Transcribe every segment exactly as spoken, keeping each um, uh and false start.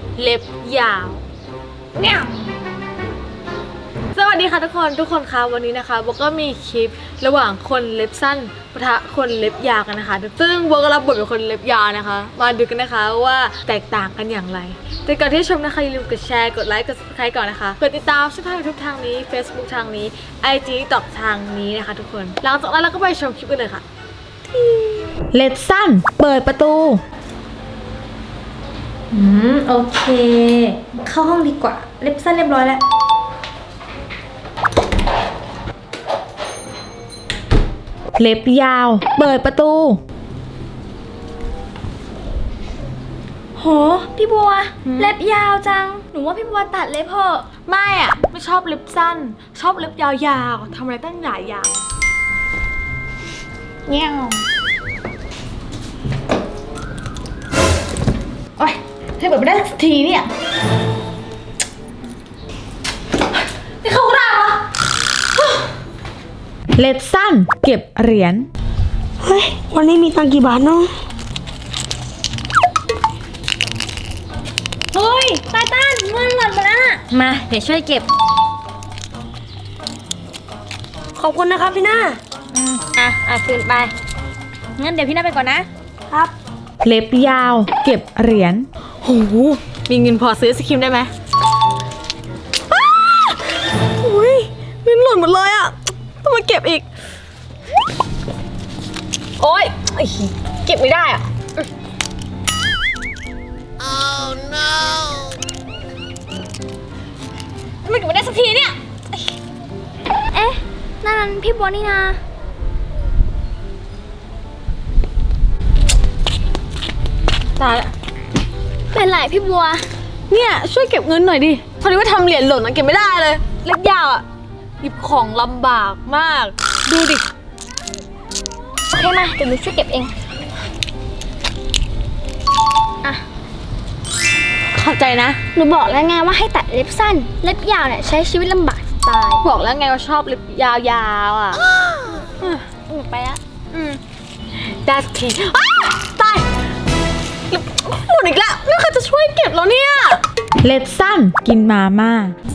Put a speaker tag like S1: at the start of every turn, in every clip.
S1: เล็บยาวเนี่ยสวัสดีค่ะทุกคนทุกคนคะวันนี้นะคะโบก็มีคลิประหว่างคนเล็บสั้นปะทะคนเล็บยาวกันนะคะซึ่งโบก็รับบทเป็นคนเล็บยาวนะคะมาดูกันนะคะว่าแตกต่างกันอย่างไรแต่ก่อนที่ชมนะคะอย่าลืมกดแชร์กดไลค์กด ซับสไครบ์ ก่อนนะคะกดติดตามช่องทาง ยูทูบ ทางนี้ Facebook ทางนี้ ไอ จี ติ๊กต็อก ทางนี้นะคะทุกคนหลังจากนั้นเราก็ไปชมคลิปกันเลยค่ะ
S2: เล็บสั้นเปิดประตูอืมโอเคเข้าห้องดีกว่าเล็บสั้นเรียบร้อยแล้วเล็บยาวเปิดประตูโหพี่บัวเล็บยาวจังหนูว่าพี่บัวตัดเล็บเถอะ
S1: ไม่อะไม่ชอบเล็บสั้นชอบเล็บยาวๆทำอะไรตั้งหลายอย่าง
S2: เงี้ยโอ๊ยเธอเปิดไม่ได้สักทีเนี่ย
S1: นี่เขาด่าเหรอ
S2: เล็บสั้นเก็บเหรียญ
S3: เฮ้ยวันนี้มีตังค์กี่บาทเนาะ
S2: เฮ้ยตาต้านเงินหล่นมาแล้วน่ะมาเดี๋ยวช่วยเก็บ
S3: ขอบคุณนะครับพี่หน้า
S2: อืมอ่ะอ่ะคืนไปงั้นเดี๋ยวพี่หน้าไปก่อนนะครับเล็บยาวเก็บเหรียญ
S1: โหมีเงินพอซื้อสครีมได้ไหมอุ้ยเงินหล่นหมดเลยอ่ะต้องมาเก็บอีกโอ๊ยเก็บไม่ได้อ่ะ oh no ทำไมเก็บไม่ได้สักทีเนี่ย
S4: เอ๊ะนั่นพี่บัวนี่นะ
S1: ตายละ
S4: เป็นไรพี่บัว
S1: เนี่ยช่วยเก็บเงินหน่อยดิพอดีว่าทำเหรียญหล่นมันเก็บไม่ได้เลยเล็บยาวอ่ะหยิบของลำบากมากดูดิ
S4: โอเคมาเดี๋ยวหนูช่วยเก็บเองอ่ะ
S1: ขอบใจนะ
S4: หนูบอกแล้วไงว่าให้ตัดเล็บสั้นเล็บยาวเนี่ยใช้ชีวิตลำบากตาย
S1: บอกแล้วไงว่าชอบเล็บยาวๆอ่ะ
S4: หนูไปละ
S1: อืมได้สักทีตายหมดอีกแล้วไม่เคยจะช่วยเก็บแล้วเนี่ย
S2: เล็บสั้นกินมาม่า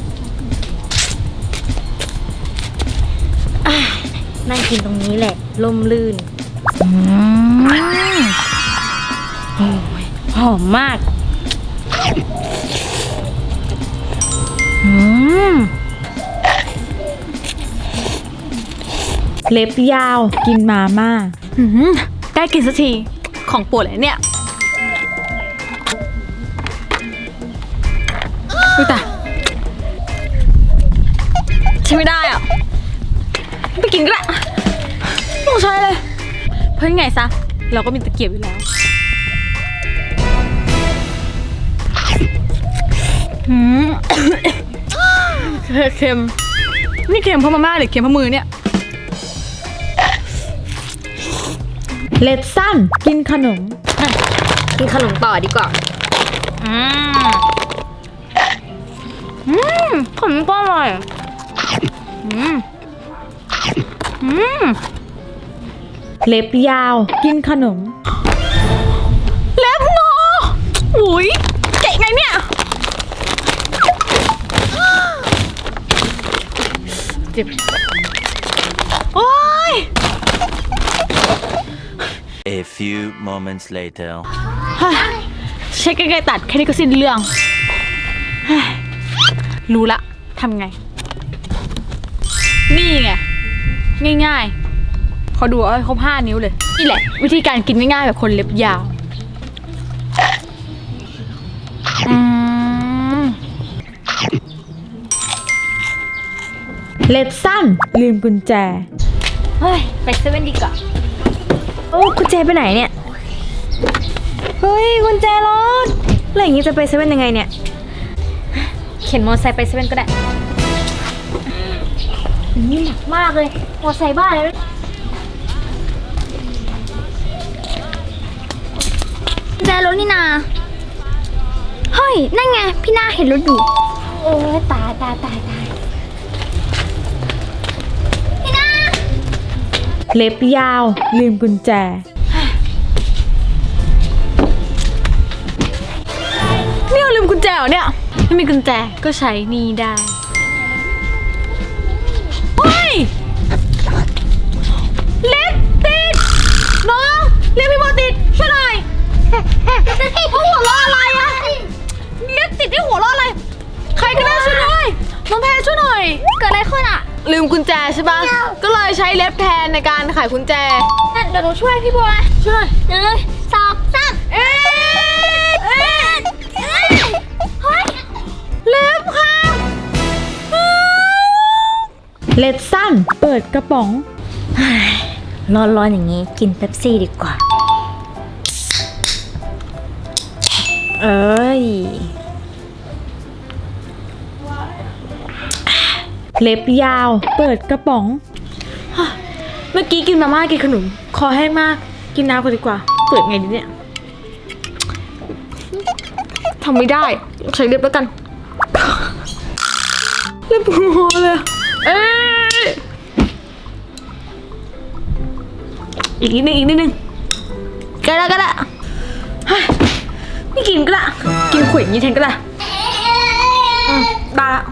S4: นั่งกินตรงนี้แหละลมลื่น
S2: โอ้ยหอมมากอืมเล็บยาวกินมาม่า
S1: ได้กินสักทีของโปรดเลยเนี่ยดูแต่ใช้ไม่ได้อ่ะไปกินก็ได้ไม่ต้องใช้เลยเพราะยังไงซะเราก็มีตะเกียบอยู่แล้วอืมเค็มนี่เค็มเพราะมาม่าหรือเค็มเพราะมือเนี่ย
S2: เล็บสั้นกินขนม
S4: กินขนมต่อดีกว่า
S2: อืมอืมขนมก็อร่อยอืมอืมเล็บยาวกินขนม
S1: เล็บงออุ้ยเก๋ไงเนี่ยเจ็บโอ๊ย
S5: A few moments later
S1: ใช้กรรไกรตัดแค่นี้ก็สิ้นเรื่องรู้ละทำไงนี่ไงง่ายๆเขาดูว่าเขาห้านิ้วเลยนี่แหละวิธีการกินง่ายๆแบบคนเล็บยาวอืม
S2: เล็บสั้นลืมกุญแจ
S4: เฮ้ยไปเซเว่นดีกว่าโอ้กุญแจไปไหนเนี่ยเฮ้ยกุญแจรถแล้วอย่างนี้จะไปเซเว่นยังไงเนี่ยเข็นมอเตอร์ไซค์ไปเซเว่นก็ได้นี่หนักมากเลยมอเตอร์ไซค์บ้านเลยกุญแจรถนี่นาเฮ้ยนั่นไงพี่นาเห็นรถอยู่เออตายตายตายตายพี่นา
S2: เล็บยาวลืมกุญแจ
S1: นี่เราลืมกุญแจเหรอเนี่ยไม่มีกุญแจก็ใช้นี่ได้เฮ้ยเล็บติดน้องเล็บพี่โมติดช่วยหน่อยเขาหัวเราะอะไรอะเล็บติดที่หัวเราะอะไรใครก็ได้ช่วยหน่อยน้องแพรช่วยหน่อยเกิดอะไรขึ้นอะลืมกุญแจใช่ปะก็เลยใช้เล็บแทนในการไขกุญแจเดี๋ยวหนูช่วยพี่บัวช่วยหนึ่งสองสามเอ๊ะเอ๊ะเฮ้ยเล็บค่ะ
S2: เล็บสั้นเปิดกระป๋อง
S4: ร้อนๆอย่างนี้กินเป๊ปซี่ดีกว่า เอ้ย
S2: เล็บยาวเปิดกระป๋อง
S1: เมื่อกี้กินมาม่ากินขนมคอแห้งมากกินน้ำก่อนดีกว่าเปิดไงดีเนี่ยทำไม่ได้ใช้เล็บแล้วกัน เล็บหัวเลยเอ้ยอีกนิดนึงอีกนิดนึงก็ได้ก็ได้เฮ้ยไม่กินก็ได้กินขวดอย่างนี้แทนก็ได้อืมได้ละ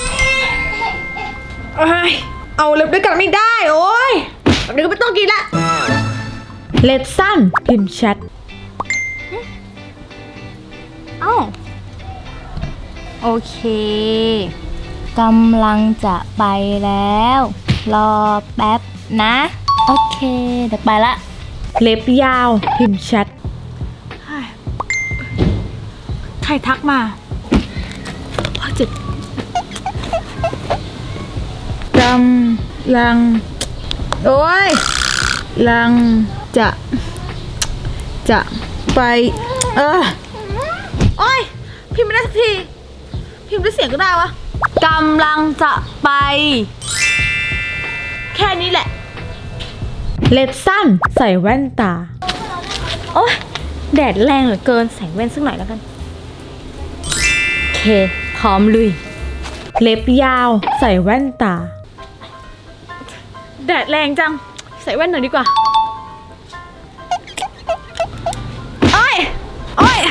S1: เอาเอ้ยเอาเล็บด้วยกันไม่ได้โอ้ยแบบนี้ก็ไม่ต้องกินละ
S2: เล็บสั้นพิมพ์แชท
S4: เอ้าโอเคกำลังจะไปแล้ว รอแป๊บนะ โอเค เดี๋ยวไปละ
S2: เล็บยาวพิมพ์แชท
S1: ใครทักมาพ่อเจ็บ
S2: กำลัง โอ้ยลังจะ จะไปเออ
S1: โอ้ยพิมพ์ไม่ได้สักทีพิมพ์ด้วยเสียงก็ได้วะกำลังจะไป แค่นี้แหละ
S2: เล็บสั้นใส่แว่นตา
S4: โอ๊ยแดดแรงเหลือเกินใส่แว่นสักหน่อยแล้วกัน โอเค พร้อมลุย
S2: เล็บยาวใส่แว่นตา
S1: แดดแรงจังใส่แว่นหน่อยดีกว่าโอ้ยโอ้ย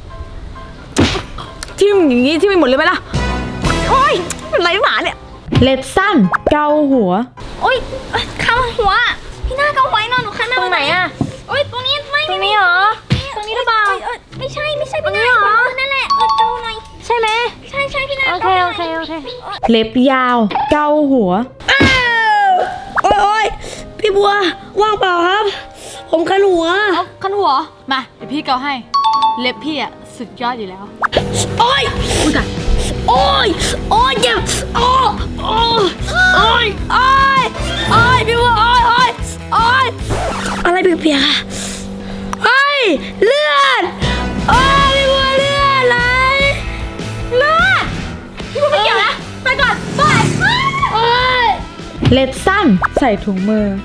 S1: ทิ่มอย่างนี้ทิ่มไปหมดเลยไหมล่ะโอ้ยอะไรหมาเนี่ย
S2: เล็บสั้นเกาหัว
S4: โอ๊ยข้างหัว พี่หน้าเกาไว้นอนหนูข้างหน้าตรงไหนอะโอ๊ยตรงนี้ไม่ตรงนี้เหรอ ตรงนี้หรือเปล่าไม่ใช่ไม่ใช่พี่หน้านั่นแหละเออเกาหน่อยใช่ไหมใช่ใช่พี่หน้าโอเคโอเคโอเค
S2: เล็บยาวเกาหัว
S3: โอ้ยโอ้ยพี่บัวว่างเปล่าครับ ผมคันหัว
S1: เอาคันหัวมาเดี๋ยวพี่เกาให้เล็บพี่อะสุดยอดอยู่แล้ว
S3: โอ้ย
S1: อุ้ยตาย
S3: โอ้ยโอ้ยเจ็บโอ้ยโอ้ยโอ้ยโอ้ยโอ้ยพี่บัวโอ้ยโอ้ยโอ้ยอะไรเปียกๆอะเฮ้ยเลือดโอ้ยพี่บัวเลือดไหลเลือด
S1: พี่กูไม่เกี่ยวนะไปก่อนไป
S3: โอ้ย
S2: เล็บสั้นใส่ถุงมือ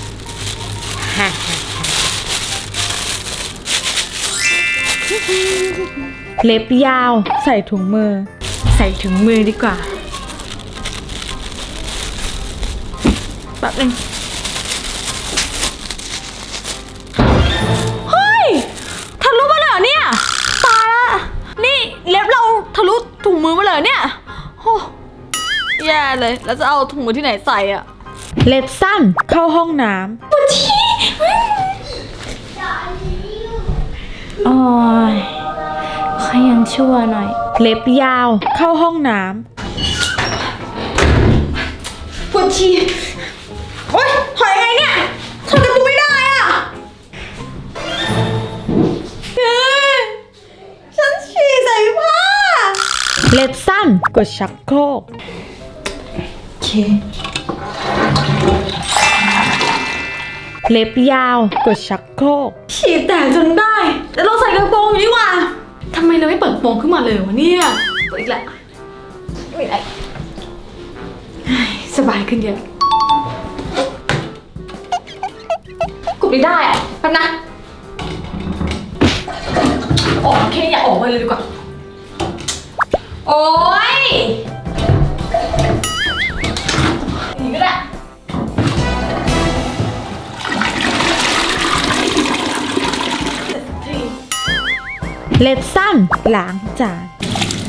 S2: เล็บยาวใส่ถุงมือ
S1: ใส่ถุงมือดีกว่าแป๊บนึงเฮ้ยทะลุมาเลยเหรอเนี่ยตายละนี่เล็บเราทะลุถุงมือมาเลยเหรอเนี่ยโอ้แย่เลยแล้วจะเอาถุงมือที่ไหนใส่อะ
S2: เล็บสั้นเข้าห้องน้
S4: โอ้ยขอยังชั่วหน่อย
S2: ำเล็บยาวเข้าห้องน้
S1: ปวดฉี่โอ๊ยถอยยังไงเนี่ยถอยประตูไม่ได้อะเฮ้ยฉันฉี่ใส่ผ้า
S2: ำเล็บสั้นกดชักโครก เล็บยาวกดชักโครก
S1: ฉี่แตกจนได้แต่เราใส่กระโปรงอยู่ดีกว่าทำไมเราไม่เปิดกระโปรงขึ้นมาเลยวะเนี่ยเปิดอีกแล้วไม่ได้เฮ้ยสบายขึ้นเยอะกดไม่ได้อะแป๊บนะออกแค่อยากออกมาเลยดีกว่าโอ๊ยอย่างนี้ก็ได้
S2: เล็บสั้นล้างจาน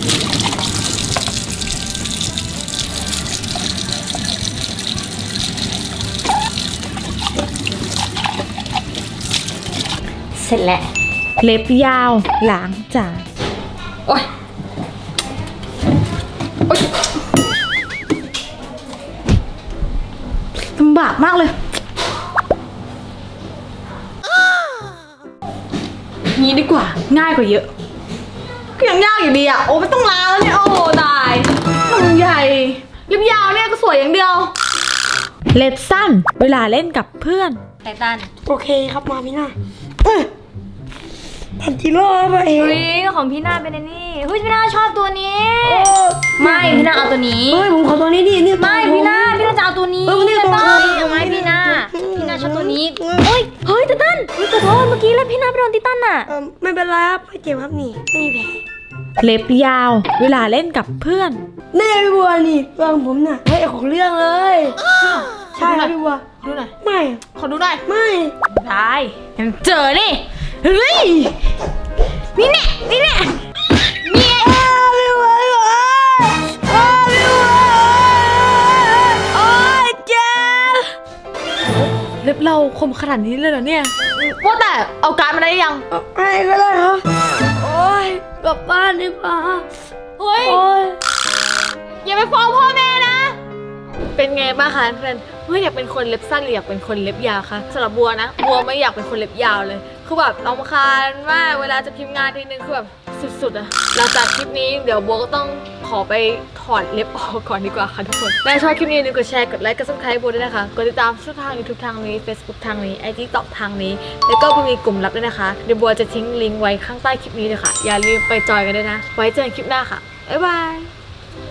S4: ร็จแล้ว
S2: เล็บยาวล้างจาน
S1: โอ๊ยโอ๊ยลำบากมากเลยงี้ดีกว่าง่ายกว่าเยอะก็ยังยากอยู่ดีอ่ะโอ้ไม่ต้องล้างแล้วเนี่ยโอ้ตายมันใหญ่เล็บยาวเนี่ยก็สวยอย่างเดียว
S2: เล็บสั้นเวลาเล่นกับเพื่อน
S4: ไททัน
S3: โอเคครับมาพี่หน้าเอ้ยทันจิโร่ไปเอง
S4: เฮ้ยของพี่นาเป็นไอ้นี่เฮ้ยพี่นาชอบตัวนี้ ไม่พี่นาเอาตัวนี้
S3: เฮ้ยผมขอตัวนี้ดินี่ตัว
S4: ไม่
S3: ผม
S4: พี่นาพี่นาจะเอาตัวนี้
S3: เออนี่
S4: ไท
S3: ตัว
S4: ทัน
S3: ผม
S4: เอาไหมพี่นาพี่นาชอบตัวนี้เฮ้ยเฮ้ยไททันเฮ้ยขอโทษเมื่อกี้แล้วพี่นาไปโดนไททันอ่ะ
S3: เออไม่เป็นไรครับไม่เจ็บครับนี่ไม่มีแผล
S2: เล็บยาวเวลาเล่นกับเพื่อน
S3: แน่พี่บัวนี่ตัวของผมน่ะเฮ้ยของเรื่องเลยใช่ครับพี่บัว
S1: ดูหน่อย
S3: ไม่
S1: ขอดูหน่อย
S3: ไม่
S4: ได้ยังเจอนี่เฮ้ยนี่แน่นี่แน่นี่ไง
S3: พี่บัวพี่บัวอ้าวพี่บัวโอ้ยเจ็บ
S1: เล็บเราคมขนาดนี้เลยเหรอเนี่ยว่าแต่เอาการดมาได้ยัง
S3: ไอ้ก็ได้ครับโอ้ยกลับบ้านดีกว่า
S1: เฮ้ย
S3: โอ้ย
S1: อย่าไปฟ้องพ่อแม่นะ เป็นไงบ้างคะเพื่อนเฮ้ยอยากเป็นคนเล็บสั้นหรืออยากเป็นคนเล็บยาวคะสำหรับบัวนะบัวไม่อยากเป็นคนเล็บยาวเลย คือแบบรำคาญมากเวลาจะพิมพ์งานทีนึงคือแบบสุดๆอะหลังจากคลิปนี้เดี๋ยวบัวก็ต้องขอไปถอดเล็บออกก่อนดีกว่าค่ะทุกคนถ้าชอบคลิปนี้อย่าลืมกดแชร์กดไลค์กดซับสไครต์บัวด้วยนะคะกดติดตามช่องทาง YouTube ทางนี้ Facebook ทางนี้ ไอ จี ต็อกทางนี้ แล้วก็มีกลุ่มลับด้วยนะคะเดี๋ยวบัวจะทิ้งลิงก์ไว้ข้างใต้คลิปนี้เลยค่ะอย่าลืมไปจอยกันด้วยนะไว้เจอกันคลิปหน้าค่ะบ๊ายบาย